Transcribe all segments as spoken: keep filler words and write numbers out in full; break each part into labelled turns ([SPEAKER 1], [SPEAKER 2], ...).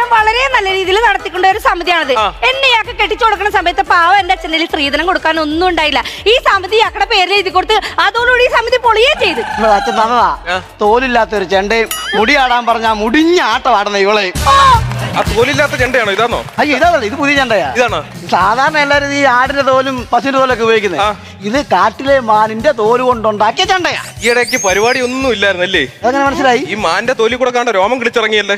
[SPEAKER 1] ഭരണം വളരെ നല്ല രീതിയിൽ നടത്തിക്കൊണ്ട ഒരു സമിതിയാണത്. എന്നെ ഇയാൾക്ക് കെട്ടിച്ചു കൊടുക്കുന്ന സമയത്ത് പാവം എന്റെ അച്ഛനിൽ സ്ത്രീധനം കൊടുക്കാൻ ഒന്നും ഉണ്ടായില്ല. ഈ സമിതി ഇയാളുടെ പേരിൽ എഴുതി കൊടുത്ത് അതോടുകൂടി ഈ സമിതി പൊളിയേ ചെയ്ത്.
[SPEAKER 2] അച്ഛൻ തന്നതാ തോലില്ലാത്തൊരു ചെണ്ടയും മുടിയാടാൻ പറഞ്ഞ മുടിഞ്ഞ ആട്ടമാടുന്ന ഇവളെ.
[SPEAKER 3] ആ തോലില്ലാത്ത ചെണ്ടയാണോ? ഇതാണോ?
[SPEAKER 2] അയ്യോ ഇതാണല്ലോ, ഇത് പുതിയ ചെണ്ടയാ.
[SPEAKER 3] ഇതാണോ?
[SPEAKER 2] സാധാരണ എല്ലാവരും ഈ ആടിന്റെ തോലും പശുവിന്റെ തോലൊക്കെ ഉപയോഗിക്കുന്നത്. ഇത് കാട്ടിലെ മാനിന്റെ തോല് കൊണ്ടുണ്ടാക്കിയ ചെണ്ടയാ.
[SPEAKER 3] ഈ ഇടയ്ക്ക് പരിപാടി ഒന്നും ഇല്ലായിരുന്നല്ലേ?
[SPEAKER 2] അതെങ്ങനെ മനസ്സിലായി?
[SPEAKER 3] ഈ മാന്റെ തോലി കൂടെ കാണാൻ രോമം കിളിച്ചിറങ്ങിയല്ലേ?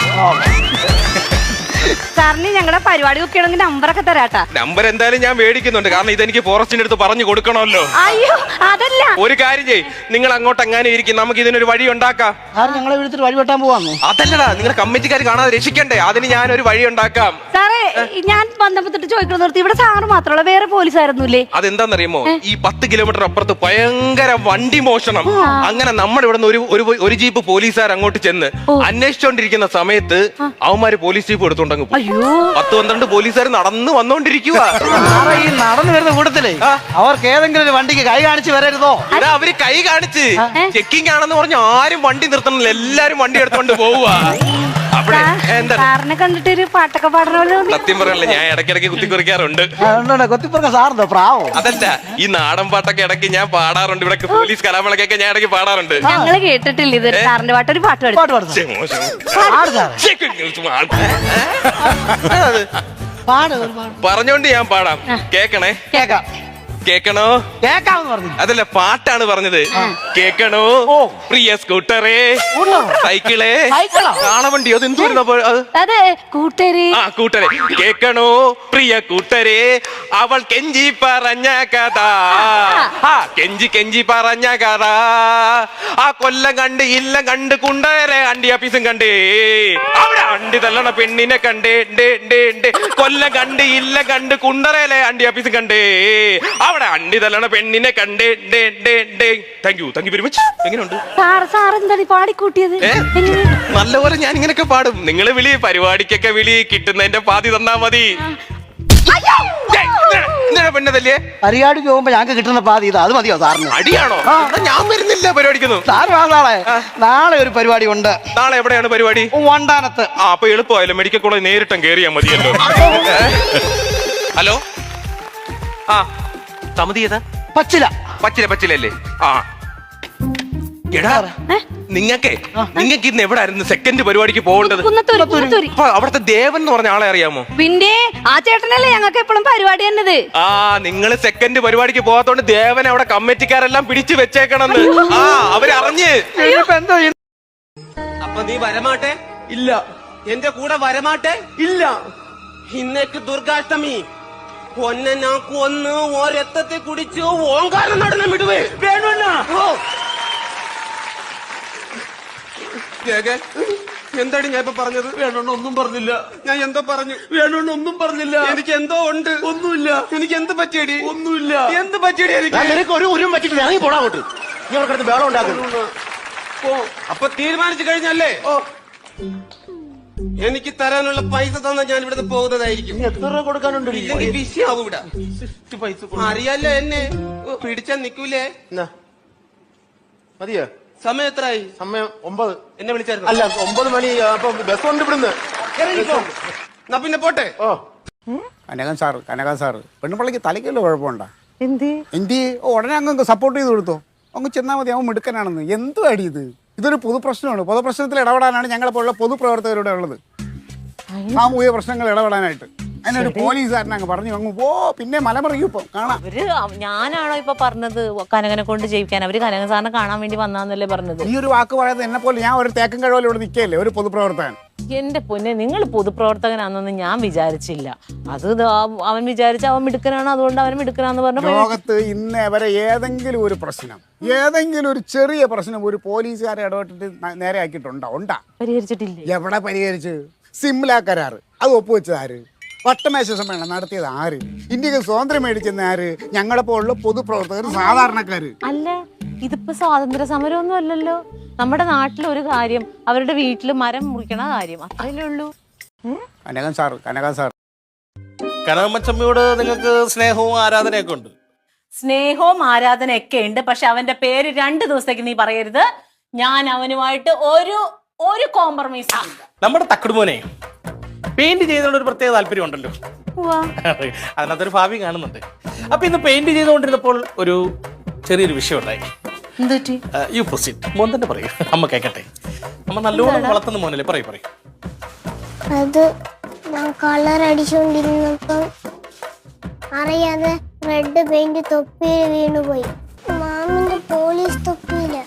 [SPEAKER 1] സാറിന് ഞങ്ങളുടെ പരിപാടി ഒക്കെ നമ്പറൊക്കെ തരാട്ടാ.
[SPEAKER 3] നമ്പർ എന്തായാലും ഞാൻ മേടിക്കുന്നുണ്ട്, കാരണം ഇതെനിക്ക് ഫോറസ്റ്റിന്റെ അടുത്ത് പറഞ്ഞു കൊടുക്കണമല്ലോ.
[SPEAKER 1] അയ്യോ അതല്ല,
[SPEAKER 3] ഒരു കാര്യം ചെയ്യ്, നിങ്ങൾ അങ്ങോട്ട് എങ്ങനെ ഇരിക്കും, നമുക്ക് ഇതിനൊരു വഴി ഉണ്ടാക്കാം.
[SPEAKER 2] ഞങ്ങളെ വിളിച്ചിട്ട് വഴി വെട്ടാൻ പോവാന്ന്?
[SPEAKER 3] അതല്ലടാ, നിങ്ങളുടെ കമ്മിറ്റിക്കാർ കാണാതെ രക്ഷിക്കണ്ടേ, അതിന് ഞാനൊരു വഴി ഉണ്ടാക്കാം.
[SPEAKER 1] സാറേ ഞാൻ ബന്ധപ്പെട്ടിട്ട് ചോദിക്കണം നിർത്തി, ഇവിടെ സാറ് മാത്രമല്ല വേറെ പോലീസായിരുന്നില്ലേ?
[SPEAKER 3] അതെന്താന്നറിയുമോ, ഈ പത്ത് കിലോമീറ്റർ അപ്പുറത്ത് ഭയങ്കര വണ്ടി മോഷണം. അങ്ങനെ നമ്മുടെ ഇവിടെ നിന്ന് ഒരു ഒരു ജീപ്പ് പോലീസുകാർ അങ്ങോട്ട് ചെന്ന് അന്വേഷിച്ചോണ്ടിരിക്കുന്ന സമയത്ത് അവന്മാര് പോലീസ് ജീപ്പ് എടുത്തോണ്ട് പത്ത് പന്ത്രണ്ട് പോലീസുകാർ നടന്നു വന്നോണ്ടിരിക്കുക.
[SPEAKER 2] ഈ നടന്നു വരുന്ന കൂട്ടത്തിലേ അവർക്ക് ഏതെങ്കിലും ഒരു വണ്ടിക്ക് കൈ കാണിച്ച് വരരുതോ?
[SPEAKER 3] എടാ അവര് കൈ കാണിച്ച് ചെക്കിംഗ് ആണെന്ന് പറഞ്ഞ് ആരും വണ്ടി നിർത്തണില്ല, എല്ലാരും വണ്ടി എടുത്തോണ്ട് പോവുക. അവിടെ എന്താ
[SPEAKER 1] കണ്ടിട്ട് ഒരു പാട്ടൊക്കെ പാടണല്ലോ.
[SPEAKER 3] സത്യം പറയണല്ലേ, ഞാൻ ഇടയ്ക്കിടയ്ക്ക് കുത്തിക്കുറിക്കാറുണ്ട്.
[SPEAKER 2] കൊത്തിപ്പറക്ക സാറിന്റെ പ്രാവോ?
[SPEAKER 3] അതല്ല, ഈ നാടൻ പാട്ടൊക്കെ ഇടയ്ക്ക് ഞാൻ പാടാറുണ്ട്. ഇവിടെ പോലീസ് കലാമേളക്കൊക്കെ ഞാൻ ഇടയ്ക്ക് പാടാറുണ്ട്.
[SPEAKER 1] ഞങ്ങള് കേട്ടിട്ടില്ല ഇത് സാറിന്റെ പാട്ട്. ഒരു പാട്ട്
[SPEAKER 3] പറഞ്ഞോണ്ട് ഞാൻ പാടാം, കേക്കണേ?
[SPEAKER 1] കേക്കാം.
[SPEAKER 3] കേക്കണോ?
[SPEAKER 2] കേക്കാമെന്ന് പറഞ്ഞു.
[SPEAKER 3] അതല്ല, പാട്ടാണ് പറഞ്ഞത്. കേക്കണോ പ്രിയ സ്കൂട്ടറേ, സൈക്കിളേ, കാളവണ്ടിയോ? അത് എന്തുവാ
[SPEAKER 1] അതെ കൂട്ടരെ.
[SPEAKER 3] ആ കൂട്ടരെ. കേക്കണോ പ്രിയ കൂട്ടരെ, അവൾ കെഞ്ചി പറഞ്ഞ കഥ, ആ കെഞ്ചി കെഞ്ചി പറഞ്ഞ കഥ, ആ കൊല്ലം കണ്ട് ഇല്ല കണ്ട് കുണ്ടരെ അണ്ടി ആഫീസും കണ്ടേ, അവിടെ അണ്ടി തല്ലണ പെണ്ണിനെ കണ്ടേ, കൊല്ലം കണ്ട് ഇല്ല കണ്ട് കുണ്ടറയിലെ അണ്ടി ആഫീസും കണ്ടേ, അവിടെ അണ്ടി തല്ലണ പെണ്ണിനെ കണ്ടേ. Thank you thank you very much. എങ്ങനെയുണ്ട്
[SPEAKER 1] പാടിക്കൂട്ടിയത്?
[SPEAKER 3] നല്ലപോലെ ഞാൻ ഇങ്ങനെയൊക്കെ പാടും. നിങ്ങള് വിളി, പരിപാടിക്കൊക്കെ വിളി, കിട്ടുന്നതിന്റെ പാതി തന്നാ മതി. പെണ്ണതല്ലേ
[SPEAKER 2] പരിപാടിക്ക് പോകുമ്പോ ഞങ്ങൾക്ക് കിട്ടുന്ന പാതി ഇതാ, അത് മതിയോ സാറിന്?
[SPEAKER 3] അടിയാണോ? ഞാൻ വരുന്നില്ല പരിപാടിക്കുന്നു.
[SPEAKER 2] സാർ നാളെ നാളെ ഒരു പരിപാടി ഉണ്ട്.
[SPEAKER 3] നാളെ എവിടെയാണ് പരിപാടി?
[SPEAKER 2] വണ്ടാനത്ത്.
[SPEAKER 3] ആ അപ്പൊ എളുപ്പമായല്ലോ, മെഡിക്കൽ കോളേജ് നേരിട്ടും കയറിയാ മതിയല്ലോ. ഹലോ, ആ സമിതി ഏതാ?
[SPEAKER 2] പച്ചില
[SPEAKER 3] പച്ചില പച്ചിലല്ലേ? ആ എടാ, നിങ്ങക്കേ നിങ്ങക്ക് ഇന്ന് എവിടെ ആയിരുന്നു സെക്കൻഡ് പരിപാടിക്ക് പോകേണ്ടത്? അവിടുത്തെ ദേവൻ എന്ന് പറഞ്ഞ ആളെ അറിയാമോ?
[SPEAKER 1] പിന്നെ ആ ചേട്ടനല്ലേ ഞങ്ങൾക്ക് എപ്പോഴും പരിപാടി തന്നത്.
[SPEAKER 3] ആ നിങ്ങള് സെക്കൻഡ് പരിപാടിക്ക് പോകാത്തോണ്ട് ദേവൻ അവിടെ കമ്മിറ്റിക്കാരെല്ലാം പിടിച്ചു വെച്ചേക്കണെന്ന്. ആ അവരറിഞ്ഞ്.
[SPEAKER 4] അപ്പൊ നീ വരമാട്ടെ? ഇല്ല. എന്റെ കൂടെ വരമാട്ടെ? ഇല്ല. ഇന്നേക്ക് ദുർഗാഷ്ടമി ഒന്നെ ഞാൻ കൊന്ന് ഓ രക്തത്തെ കുടിച്ച് ഓങ്കാരം നടനം വിടുവേ. വേണോ? എന്താടി ഞാൻ ഇപ്പൊ പറഞ്ഞത്? വേണോന്ന് ഒന്നും പറഞ്ഞില്ല. ഞാൻ എന്തോ പറഞ്ഞു? വേണോന്ന് ഒന്നും പറഞ്ഞില്ല. എനിക്ക് എന്തോ ഉണ്ട്. ഒന്നുമില്ല. എനിക്ക് എന്ത് പറ്റിയടി? ഒന്നുമില്ല. എന്ത് പറ്റിയടി? എനിക്ക് ഒരു ഉരും പറ്റില്ല. ഇറങ്ങി പോടാ അങ്ങോട്ട്. നീ അവർക്കടുത്ത് വേളം ഉണ്ടാക്കുന്നു. ഓ അപ്പൊ തീരുമാനിച്ചു കഴിഞ്ഞല്ലേ? ഓ എനിക്ക് തരാനുള്ള പൈസ തന്ന ഞാൻ ഇവിടെ പോകുന്നതായിരിക്കും. എത്ര രൂപ കൊടുക്കാനുണ്ട്? ഇല്ലെങ്കിൽ വിഷയാവും ഇവിടെ. പൈസ അറിയാലോ എന്നെ, പിടിച്ചാൽ നിക്കൂലേ? മതിയോ? സമയം എത്രയായി? സമയം ഒമ്പത്. എന്നെ വിളിച്ചായിരുന്നു? അല്ല, ഒമ്പത് മണി. അപ്പൊ ബസ് കൊണ്ട് ഇവിടുന്ന്. എന്നാ പിന്നെ പോട്ടെ. ഓ
[SPEAKER 5] കനകൻ സാറ് കനകൻ സാറ് പെണ്ണുപിള്ളക്ക് തലയ്ക്കല്ലോ കുഴപ്പമുണ്ടോ? എന്ത് എന്ത് ഉടനെ അങ്ങ് സപ്പോർട്ട് ചെയ്ത് കൊടുത്തോ? അങ്ങ് ചെന്നാൽ മതി, അവൻ മിടുക്കനാണെന്ന്. എന്തു അടി ഇത്? ഇതൊരു പൊതുപ്രശ്നമാണ്. പൊതുപ്രശ്നത്തിൽ ഇടപെടാനാണ് ഞങ്ങളെ പോലുള്ള പൊതുപ്രവർത്തകരുടെ ഉള്ളത്. സാമൂഹിക പ്രശ്നങ്ങൾ ഇടപെടാനായിട്ട് അതിനൊരു പോലീസുകാരനെ അങ്ങ് പറഞ്ഞു അങ്ങ് പോ. പിന്നെ മലമറിയും ഇപ്പൊ കാണാം.
[SPEAKER 6] അവര് ഞാനാണോ ഇപ്പൊ പറഞ്ഞത് കനകനെ കൊണ്ട് ജയിക്കാൻ? അവര് കനകൻ സാറിനെ കാണാൻ വേണ്ടി വന്നാന്നല്ലേ പറഞ്ഞത്?
[SPEAKER 5] ഈ ഒരു വാക്ക് പറയുന്നത് എന്നെ പോലെ ഞാൻ ഒരു തേക്കൻ കഴിവിൽ ഇവിടെ നിൽക്കുകയല്ലേ, ഒരു പൊതുപ്രവർത്തകൻ.
[SPEAKER 6] എന്റെ പൊന്നെ, നിങ്ങൾ പൊതുപ്രവർത്തകനാണെന്നൊന്നും ഞാൻ വിചാരിച്ചില്ല. അത് അവൻ വിചാരിച്ച അവൻ മിടുക്കനാണ്, അതുകൊണ്ട് അവൻ മിടുക്കനാന്ന് പറഞ്ഞു.
[SPEAKER 5] ലോകത്ത് ഇന്ന് വരെ ഏതെങ്കിലും ഒരു പ്രശ്നം, ഏതെങ്കിലും ഒരു ചെറിയ പ്രശ്നം ഒരു പോലീസുകാരെ ഇടപെട്ടിട്ട് നേരെ ആക്കിയിട്ടുണ്ടോ? ഉണ്ടാ?
[SPEAKER 6] പരിഹരിച്ചിട്ടില്ല.
[SPEAKER 5] എവിടെ പരിഹരിച്ച്? സിംല കരാറ് അത് ഒപ്പുവെച്ചത് ആര്? വട്ടമേശ സമ്മേളനം നടത്തിയത് ആര്? ഇന്ത്യക്ക് സ്വാതന്ത്ര്യം മേടിച്ചെന്ന ആര്? ഞങ്ങളെ പോലുള്ള പൊതുപ്രവർത്തകർ, സാധാരണക്കാര്.
[SPEAKER 6] അല്ല, ഇതിപ്പോ സ്വാതന്ത്ര്യ സമരമൊന്നും അല്ലല്ലോ. നമ്മുടെ നാട്ടിലെ ഒരു കാര്യം, അവരുടെ വീട്ടിൽ മരം മുറിക്കണ കാര്യം, അത്രയല്ലേ ഉള്ളൂ.
[SPEAKER 5] കനകൻ സാറ് കനകൻ സാർ
[SPEAKER 7] കനകമ്മച്ചമ്മയോട് നിങ്ങൾക്ക് സ്നേഹവും ആരാധനയൊക്കെ ഉണ്ട്?
[SPEAKER 6] സ്നേഹവും ആരാധനയൊക്കെ ഉണ്ട്. പക്ഷെ അവന്റെ പേര് രണ്ടു ദിവസത്തേക്ക് നീ പറയരുത്. ഞാൻ അവനുമായിട്ട് ഒരു ഒരു കോംപ്രമൈസ്.
[SPEAKER 7] നമ്മുടെ തക്കടുമോനെ പെയിന്റ് ചെയ്യുന്നതിനോട് ഒരു പ്രത്യേക താല്പര്യം ഉണ്ടല്ലോ. അതിനകത്തൊരു ഭാവി കാണുന്നുണ്ട്. അപ്പൊ ഇന്ന് പെയിന്റ് ചെയ്തുകൊണ്ടിരുന്നപ്പോൾ ഒരു ചെറിയൊരു വിഷയം ഉണ്ടായി. You proceed. മോൻ തന്നെ പറയൂ, അമ്മ കേക്കട്ടെ. അമ്മ നല്ലോണം വളർത്തുന്ന മോനല്ലേ, പറയൂ പറയൂ.
[SPEAKER 8] അത് ഞാൻ കളർ അടിച്ചുകൊണ്ടിരുന്നപ്പം അറിയാതെ റെഡ് പെയിന്റ് തൊപ്പിയിൽ വീണുപോയി. മാമിന്റെ പോലീസ് തൊപ്പിയില്ല.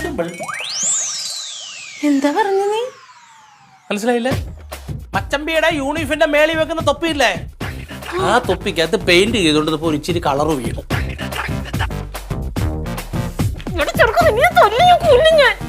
[SPEAKER 6] എന്താ പറഞ്ഞു നീ?
[SPEAKER 7] മനസ്സിലായില്ലേ? മച്ചമ്പിയുടെ യൂണിഫോമിന്റെ മേളിൽ വെക്കുന്ന തൊപ്പിയില്ലേ, ആ തൊപ്പിക്കകത്ത് പെയിന്റ് ചെയ്തോണ്ടിരുന്നപ്പോ ഒരു ഇച്ചിരി കളറ് വീണു.
[SPEAKER 6] ചെറുക്കും, നീ തൊല്ലി ഞാൻ കൊല്ലും ഞാൻ.